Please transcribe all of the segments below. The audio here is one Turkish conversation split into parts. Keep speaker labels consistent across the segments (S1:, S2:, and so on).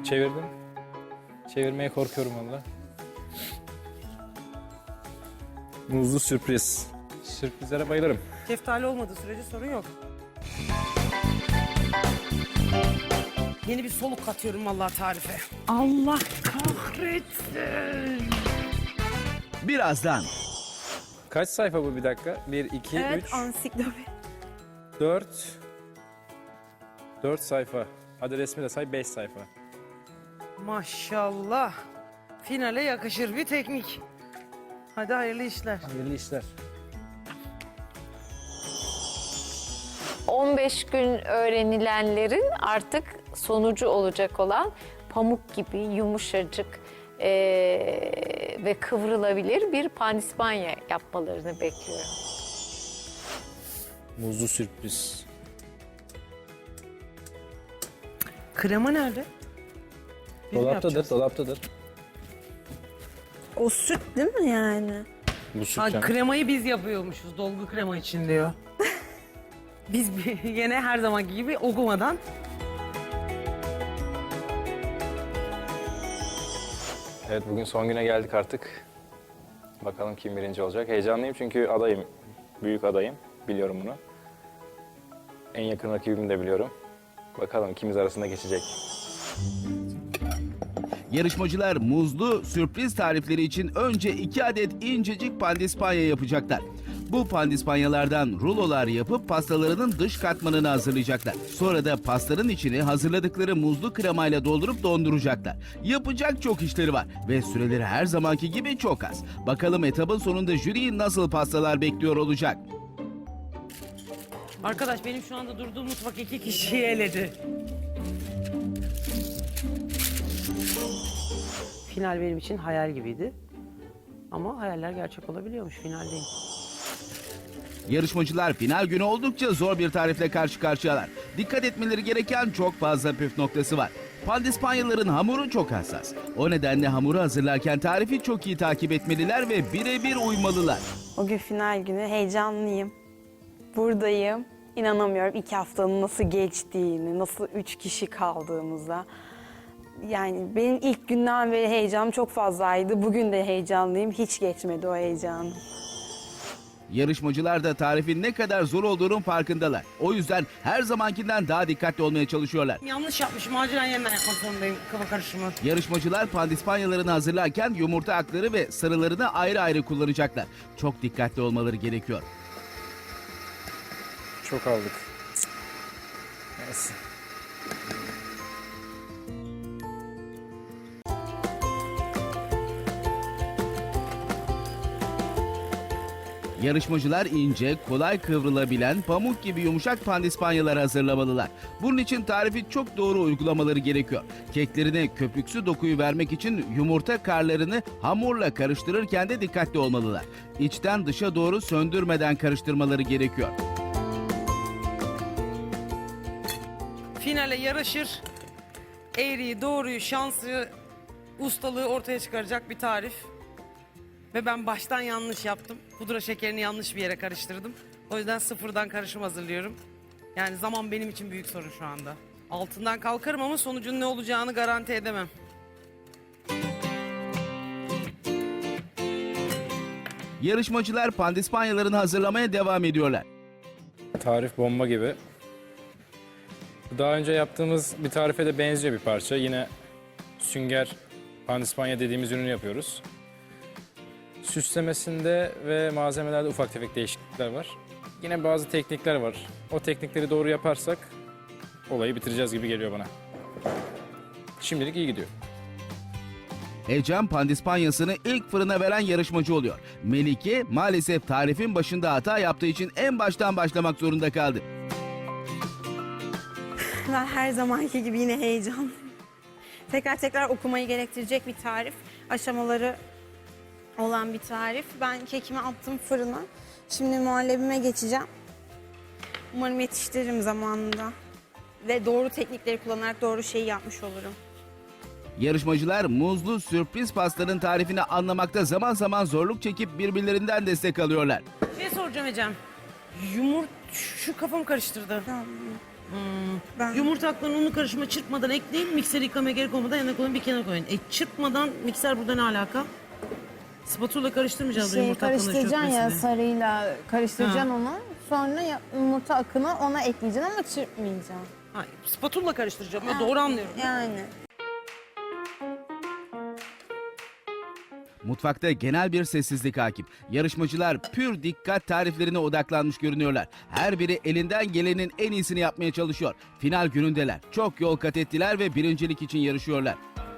S1: Çevirdim. Çevirmeye korkuyorum valla. Muzlu sürpriz. Sürprizlere bayılırım.
S2: Şeftali olmadığı sürece sorun yok. Yeni bir soluk katıyorum vallahi tarife. Allah kahretsin.
S3: Birazdan
S1: Kaç sayfa bu bir dakika? 1, 2,
S4: Evet,
S1: 3,
S4: ansiklopedi.
S1: 4. 4 sayfa. Hadi resmi de say 5 sayfa.
S2: Maşallah. Finale yakışır bir teknik. Hadi hayırlı işler.
S1: Hayırlı işler.
S5: 15 gün öğrenilenlerin artık sonucu olacak olan pamuk gibi yumuşacık ve kıvrılabilir bir pandispanya yapmalarını bekliyorum.
S1: Muzlu sürpriz.
S2: Krema nerede? Biz mi
S1: Dolaptadır,
S2: yapacağız?
S1: dolaptadır.
S4: O süt değil mi yani?
S1: Bu süt
S2: Ha,
S1: canım.
S2: kremayı biz yapıyormuşuz. Dolgu krema için diyor. Biz yine her zamanki gibi okumadan.
S1: Evet, bugün son güne geldik artık. Bakalım kim birinci olacak. Heyecanlıyım çünkü adayım. Büyük adayım. Biliyorum bunu. En yakın rakibimi de biliyorum. Bakalım ikimiz arasında geçecek.
S3: yarışmacılar muzlu sürpriz tarifleri için önce 2 adet incecik pandispanya yapacaklar. Bu pandispanyalardan rulolar yapıp pastalarının dış katmanını hazırlayacaklar. Sonra da pastanın içini hazırladıkları muzlu kremayla doldurup donduracaklar. Yapacak çok işleri var ve süreleri her zamanki gibi çok az. Bakalım etapın sonunda jüriyi nasıl pastalar bekliyor olacak?
S2: Arkadaş benim şu anda durduğum mutfak 2 kişiyi eledi. Final benim için hayal gibiydi. Ama hayaller gerçek olabiliyormuş finaldeyim.
S3: Yarışmacılar final günü oldukça zor bir tarifle karşı karşıyalar. Dikkat etmeleri gereken çok fazla püf noktası var. Pandispanyaların hamuru çok hassas. O nedenle hamuru hazırlarken tarifi çok iyi takip etmeliler ve birebir uymalılar.
S4: O gün final günü heyecanlıyım. Buradayım. İnanamıyorum 2 haftanın nasıl geçtiğini, nasıl 3 kişi kaldığımıza. Yani benim ilk günden beri heyecanım çok fazlaydı. Bugün de heyecanlıyım. Hiç geçmedi o heyecanım.
S3: Yarışmacılar da tarifin ne kadar zor olduğunun farkındalar. O yüzden her zamankinden daha dikkatli olmaya çalışıyorlar.
S2: Yanlış yapmışım. Acilen yeniden yapmak zorundayım kafa karışımı.
S3: Yarışmacılar pandispanyalarını hazırlarken yumurta akları ve sarılarını ayrı ayrı kullanacaklar. Çok dikkatli olmaları gerekiyor.
S1: Çok aldık. Neyse.
S3: Yarışmacılar ince, kolay kıvrılabilen, pamuk gibi yumuşak pandispanyalar hazırlamalılar. Bunun için tarifi çok doğru uygulamaları gerekiyor. Keklerine köpüksü dokuyu vermek için yumurta karlarını hamurla karıştırırken de dikkatli olmalılar. İçten dışa doğru söndürmeden karıştırmaları gerekiyor.
S2: Finale yaraşır. Eğriyi, doğruyu, şansı, ustalığı ortaya çıkaracak bir tarif. Ve ben baştan yanlış yaptım. Pudra şekerini yanlış bir yere karıştırdım. O yüzden sıfırdan karışım hazırlıyorum. Yani zaman benim için büyük sorun şu anda. Altından kalkarım ama sonucun ne olacağını garanti edemem.
S3: Yarışmacılar pandispanyalarını hazırlamaya devam ediyorlar.
S1: Tarif bomba gibi. Daha önce yaptığımız bir tarife de benziyor bir parça. Yine sünger pandispanya dediğimiz ürünü yapıyoruz. Süslemesinde ve malzemelerde ufak tefek değişiklikler var. Yine bazı teknikler var. O teknikleri doğru yaparsak olayı bitireceğiz gibi geliyor bana. Şimdilik iyi gidiyor.
S3: Ecem pandispanyasını ilk fırına veren yarışmacı oluyor. Melike maalesef tarifin başında hata yaptığı için en baştan başlamak zorunda kaldı.
S4: Ben her zamanki gibi yine heyecanlıyım. Tekrar okumayı gerektirecek bir tarif. Aşamaları olan bir tarif. Ben kekimi attım fırına. Şimdi muhallebime geçeceğim. Umarım yetiştiririm zamanında. Ve doğru teknikleri kullanarak doğru şeyi yapmış olurum.
S3: Yarışmacılar muzlu sürpriz pastanın tarifini anlamakta zaman zaman zorluk çekip birbirlerinden destek alıyorlar.
S2: Bir şey soracağım Ecem. Şu kafam karıştırdı.
S4: Tamam. Ben
S2: Yumurta aklarını unlu karışıma çırpmadan ekleyin. Mikseri yıkamaya gerek olmadan yanına koyun, bir kenara koyun. Çırpmadan mikser burada ne alaka? Spatula karıştırmayacağız yumurta aklarını
S6: karıştıracaksın ya,
S2: çırpmasını.
S6: sarıyla karıştıracaksın onu. Sonra yumurta akını ona ekleyeceksin ama çırpmayacaksın.
S2: Hayır, spatula karıştıracağım. Ya doğru anlıyorum.
S4: yani.
S3: Mutfakta genel bir sessizlik hakim. Yarışmacılar pür dikkat tariflerine odaklanmış görünüyorlar. Her biri elinden gelenin en iyisini yapmaya çalışıyor. Final günündeler. Çok yol kat ettiler ve birincilik için yarışıyorlar.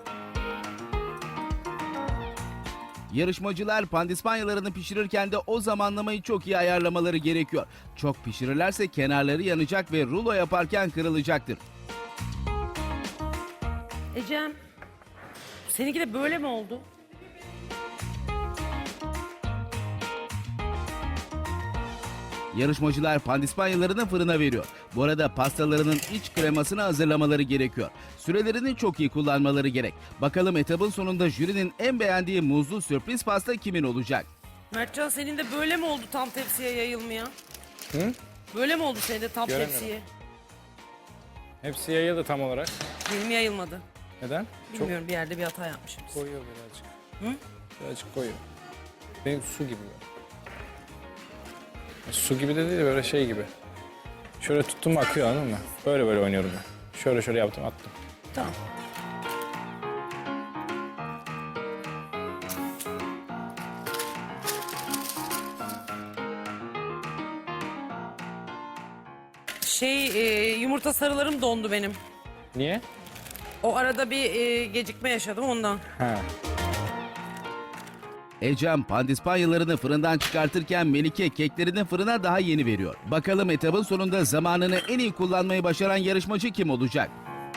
S3: Yarışmacılar pandispanyalarını pişirirken de o zamanlamayı çok iyi ayarlamaları gerekiyor. Çok pişirirlerse kenarları yanacak ve rulo yaparken kırılacaktır.
S2: Ecem, seninki de böyle mi oldu?
S3: Yarışmacılar pandispanyalarını fırına veriyor. Bu arada pastalarının iç kremasını hazırlamaları gerekiyor. Sürelerini çok iyi kullanmaları gerek. Bakalım etabın sonunda jürinin en beğendiği muzlu sürpriz pasta kimin olacak?
S2: Mertcan, senin de böyle mi oldu tam tepsiye yayılmaya?
S1: Hı?
S2: Böyle mi oldu senin de tam
S1: Göremiyorum.
S2: tepsiye?
S1: Hepsi yayıldı tam olarak.
S2: Benim yayılmadı.
S1: Neden?
S2: Bilmiyorum, bir yerde bir hata yapmışım.
S1: Koyuyor birazcık.
S2: Hı?
S1: Birazcık koyuyor. Benim su gibi. Su gibi de değil, böyle şey gibi. Şöyle tuttum mu akıyor, anladın mı? Böyle böyle oynuyorum ben. Şöyle şöyle yaptım, attım.
S2: Tamam. Yumurta sarılarım dondu benim.
S1: Niye?
S2: O arada bir gecikme yaşadım ondan.
S1: Ha.
S3: Ecem pandispanyalarını fırından çıkartırken Melike keklerini fırına daha yeni veriyor. Bakalım etabın sonunda zamanını en iyi kullanmayı başaran yarışmacı kim olacak?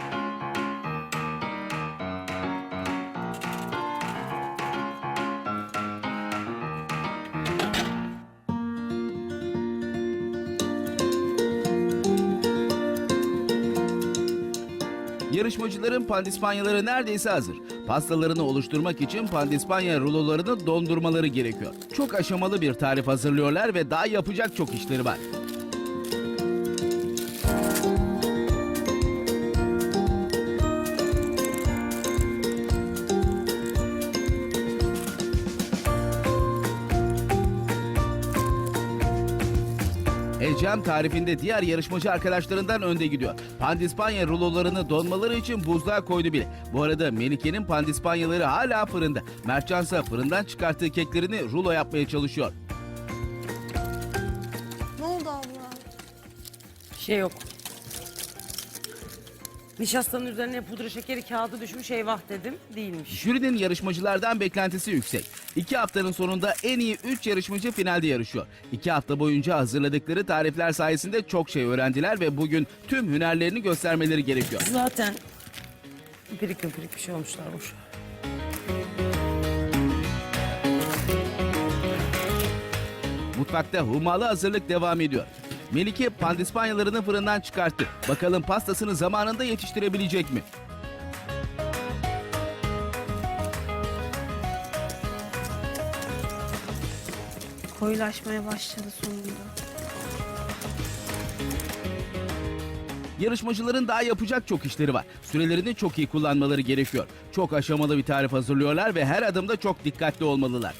S3: Yarışmacıların pandispanyaları neredeyse hazır. Pastalarını oluşturmak için pandispanya rulolarını dondurmaları gerekiyor. Çok aşamalı bir tarif hazırlıyorlar ve daha yapacak çok işleri var. Ecem tarifinde diğer yarışmacı arkadaşlarından önde gidiyor. Pandispanya rulolarını donmaları için buzluğa koydu bile. Bu arada Melike'nin pandispanyaları hala fırında. Mertcan ise fırından çıkarttığı keklerini rulo yapmaya çalışıyor.
S4: Ne oldu abla?
S2: Şey yok. Nişastanın üzerine pudra şekeri kağıdı düşmüş, eyvah dedim. Değilmiş.
S3: Jürinin yarışmacılardan beklentisi yüksek. 2 haftanın sonunda en iyi 3 yarışmacı finalde yarışıyor. 2 hafta boyunca hazırladıkları tarifler sayesinde çok şey öğrendiler ve bugün tüm hünerlerini göstermeleri gerekiyor.
S2: Zaten pirik bir şey olmuşlarmış.
S3: Mutfakta hummalı hazırlık devam ediyor. Melike pandispanyalarını fırından çıkarttı. Bakalım pastasını zamanında yetiştirebilecek mi?
S4: Koyulaşmaya başladı sonunda.
S3: Yarışmacıların daha yapacak çok işleri var. Sürelerini çok iyi kullanmaları gerekiyor. Çok aşamalı bir tarif hazırlıyorlar ve her adımda çok dikkatli olmalılar.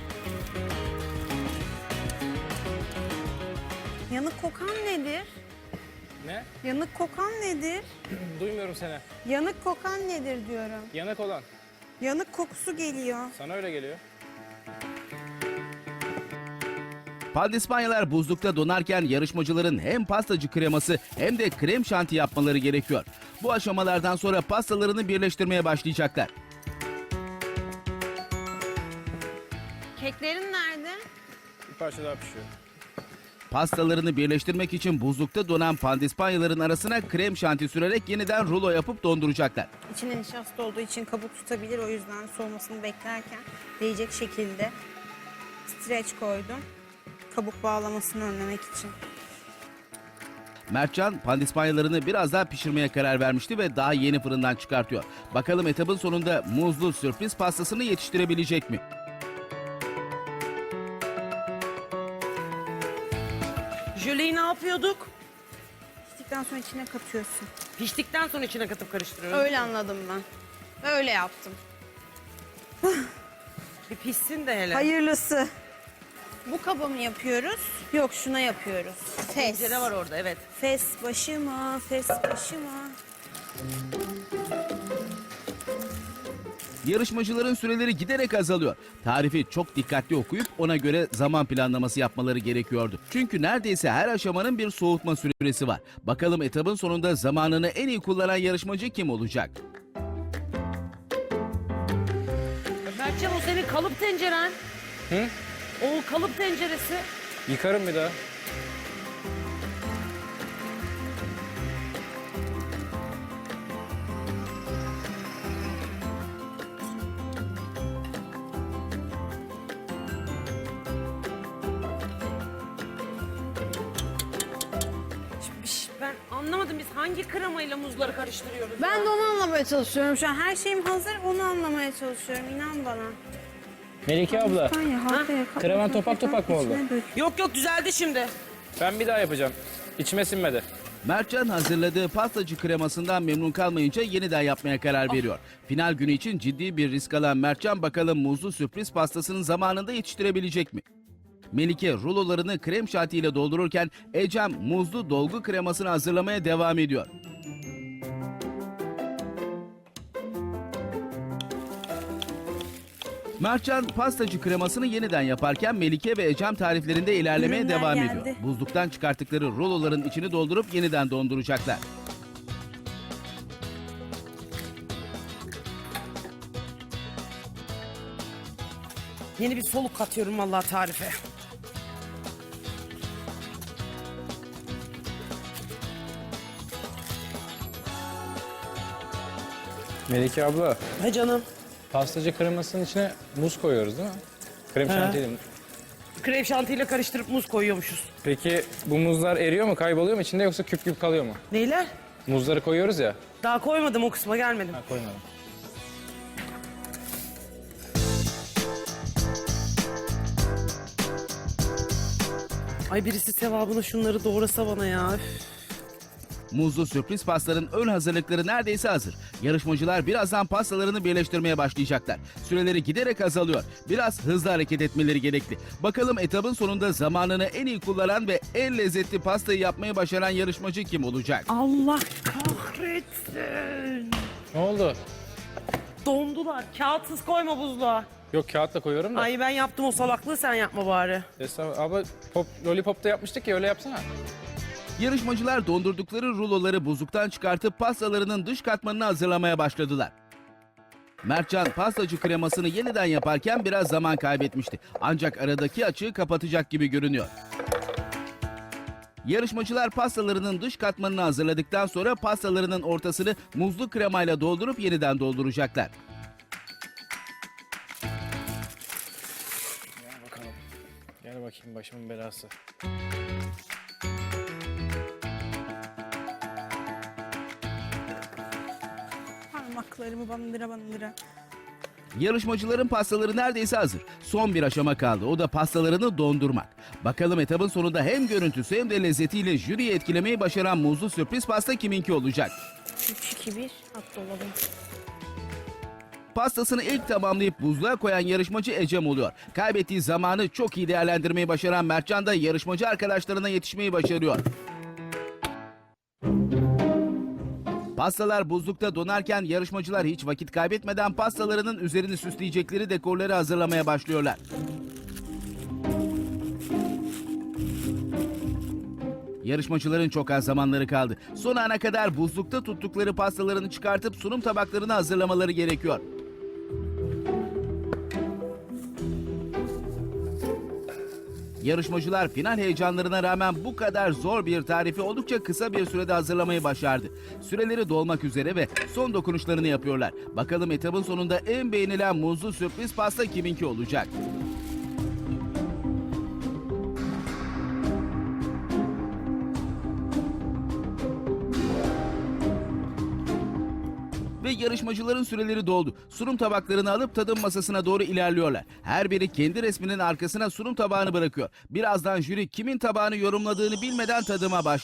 S4: Yanık kokan nedir?
S1: Ne?
S4: Yanık kokan nedir?
S1: Duymuyorum seni.
S4: Yanık kokan nedir diyorum.
S1: Yanık olan.
S4: Yanık kokusu geliyor.
S1: Sana öyle geliyor.
S3: Pandispanyalar buzlukta donarken yarışmacıların hem pastacı kreması hem de krem şanti yapmaları gerekiyor. Bu aşamalardan sonra pastalarını birleştirmeye başlayacaklar.
S4: Keklerin nerede?
S1: Bir parça daha pişiyor.
S3: Pastalarını birleştirmek için buzlukta donan pandispanyaların arasına krem şanti sürerek yeniden rulo yapıp donduracaklar.
S4: İçine nişasta olduğu için kabuk tutabilir. O yüzden soğumasını beklerken değecek şekilde streç koydum. Kabuk bağlamasını önlemek için.
S3: Mertcan pandispanyalarını biraz daha pişirmeye karar vermişti ve daha yeni fırından çıkartıyor. Bakalım etabın sonunda muzlu sürpriz pastasını yetiştirebilecek mi?
S2: Jöleyi ne yapıyorduk?
S4: piştikten sonra içine katıyorsun.
S2: Piştikten sonra içine katıp karıştırıyorum.
S4: Öyle anladım ben. Öyle yaptım.
S2: Bir pişsin de hele.
S4: Hayırlısı. Bu kaba mı yapıyoruz? Yok, şuna yapıyoruz. Fes.
S2: Tencere var orada, evet.
S4: Fes başıma, fes başıma.
S3: Yarışmacıların süreleri giderek azalıyor. Tarifi çok dikkatli okuyup ona göre zaman planlaması yapmaları gerekiyordu. Çünkü neredeyse her aşamanın bir soğutma süresi var. Bakalım etabın sonunda zamanını en iyi kullanan yarışmacı kim olacak?
S2: Mertcan, o senin kalıp tenceren.
S1: Hı?
S2: O kalıp tenceresi.
S1: Yıkarım bir daha.
S2: Ben anlamadım, biz hangi kremayla muzları karıştırıyoruz?
S4: Ben de onu anlamaya çalışıyorum şu an. Her şeyim hazır, onu anlamaya çalışıyorum. İnan bana.
S1: Melike abla, kreman topak topak mı oldu?
S2: Yok yok, düzeldi şimdi.
S1: Ben bir daha yapacağım. İçime sinmedi.
S3: Mertcan hazırladığı pastacı kremasından memnun kalmayınca yeniden yapmaya karar veriyor. Final günü için ciddi bir risk alan Mertcan bakalım muzlu sürpriz pastasının zamanında yetiştirebilecek mi? Melike rulolarını krem şantiyle doldururken Ecem muzlu dolgu kremasını hazırlamaya devam ediyor. Mertcan pastacı kremasını yeniden yaparken Melike ve Ecem tariflerinde ilerlemeye
S4: Ürünler
S3: devam
S4: geldi.
S3: ediyor. Buzluktan çıkarttıkları ruloların içini doldurup yeniden donduracaklar.
S2: Yeni bir soluk katıyorum vallahi tarife.
S1: Melike abla,
S2: He canım.
S1: pastacı kremasının içine muz koyuyoruz değil mi? Krem şantiyle mi?
S2: Krem şantiyle karıştırıp muz koyuyormuşuz.
S1: Peki bu muzlar eriyor mu, kayboluyor mu içinde yoksa küp küp kalıyor mu?
S2: Neyler?
S1: Muzları koyuyoruz ya.
S2: Daha koymadım, o kısma gelmedim.
S1: Ha, koymadım.
S2: Ay, birisi sevabına şunları doğrasa bana ya. Üf.
S3: Muzlu sürpriz pastanın ön hazırlıkları neredeyse hazır. Yarışmacılar birazdan pastalarını birleştirmeye başlayacaklar. Süreleri giderek azalıyor. Biraz hızlı hareket etmeleri gerekli. Bakalım etabın sonunda zamanını en iyi kullanan ve en lezzetli pastayı yapmayı başaran yarışmacı kim olacak?
S2: Allah kahretsin.
S1: Ne oldu?
S2: Dondular. Kağıtsız koyma buzluğa.
S1: Yok, kağıtla koyuyorum da.
S2: Ay, ben yaptım o salaklığı, sen yapma bari.
S1: Estağfurullah. Abla lollipop'ta yapmıştık ya, öyle yapsana.
S3: Yarışmacılar dondurdukları ruloları buzluktan çıkartıp pastalarının dış katmanını hazırlamaya başladılar. Mertcan pastacı kremasını yeniden yaparken biraz zaman kaybetmişti. Ancak aradaki açığı kapatacak gibi görünüyor. Yarışmacılar pastalarının dış katmanını hazırladıktan sonra pastalarının ortasını muzlu kremayla doldurup yeniden dolduracaklar.
S1: Gel bakalım. Gel bakayım başımın belası.
S4: Parmaklarımı bandıra bandıra.
S3: Yarışmacıların pastaları neredeyse hazır. Son bir aşama kaldı. O da pastalarını dondurmak. Bakalım etabın sonunda hem görüntüsü hem de lezzetiyle jüriyi etkilemeyi başaran muzlu sürpriz pasta kiminki olacak?
S4: 3-2-1 at dolabım.
S3: Pastasını ilk tamamlayıp buzluğa koyan yarışmacı Ecem oluyor. Kaybettiği zamanı çok iyi değerlendirmeyi başaran Mertcan da yarışmacı arkadaşlarına yetişmeyi başarıyor. Pastalar buzlukta donarken yarışmacılar hiç vakit kaybetmeden pastalarının üzerini süsleyecekleri dekorları hazırlamaya başlıyorlar. Yarışmacıların çok az zamanları kaldı. Son ana kadar buzlukta tuttukları pastalarını çıkartıp sunum tabaklarını hazırlamaları gerekiyor. Yarışmacılar final heyecanlarına rağmen bu kadar zor bir tarifi oldukça kısa bir sürede hazırlamayı başardı. Süreleri dolmak üzere ve son dokunuşlarını yapıyorlar. Bakalım etabın sonunda en beğenilen muzlu sürpriz pasta kiminki olacak? Ve yarışmacıların süreleri doldu. Sunum tabaklarını alıp tadım masasına doğru ilerliyorlar. Her biri kendi resminin arkasına sunum tabağını bırakıyor. Birazdan jüri kimin tabağını yorumladığını bilmeden tadıma başlıyor.